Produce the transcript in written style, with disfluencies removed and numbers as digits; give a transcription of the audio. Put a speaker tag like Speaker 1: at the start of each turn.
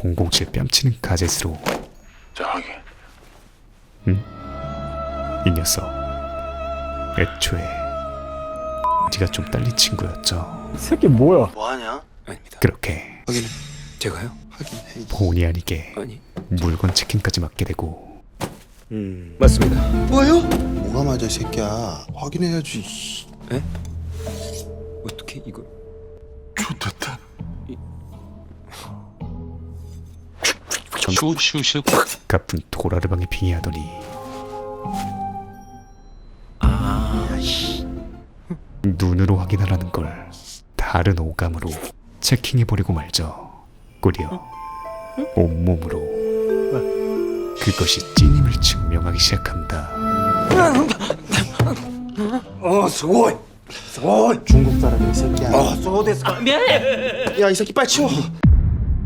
Speaker 1: 007 뺨치는 가젯으로.
Speaker 2: 자, 확인.
Speaker 1: 이 녀석 애초에 네가 좀 딸린 친구였죠.
Speaker 3: 이 새끼 뭐야?
Speaker 2: 뭐하냐?
Speaker 4: 아닙니다.
Speaker 1: 그렇게
Speaker 4: 확인해. 제가요?
Speaker 2: 확인해.
Speaker 1: 본의 아니게
Speaker 4: 아니.
Speaker 1: 물건 체킹까지 맡게 되고.
Speaker 4: 맞습니다.
Speaker 2: 뭐요? 뭐가 맞아, 이 새끼야. 확인해야지.
Speaker 4: 에? 어떻게 이걸?
Speaker 2: 좋됐다.
Speaker 5: 슈슈슈
Speaker 1: 가쁜 도라르방에 빙의하더니 눈으로 확인하라는 걸 다른 오감으로 체킹해버리고 말죠. 꾸려 온몸으로 그것이 찐임을 증명하기 시작한다.
Speaker 2: 수고이. 수고이.
Speaker 3: 중국 사람이 이 새끼야.
Speaker 2: 야, 이 새끼 빨리 치워.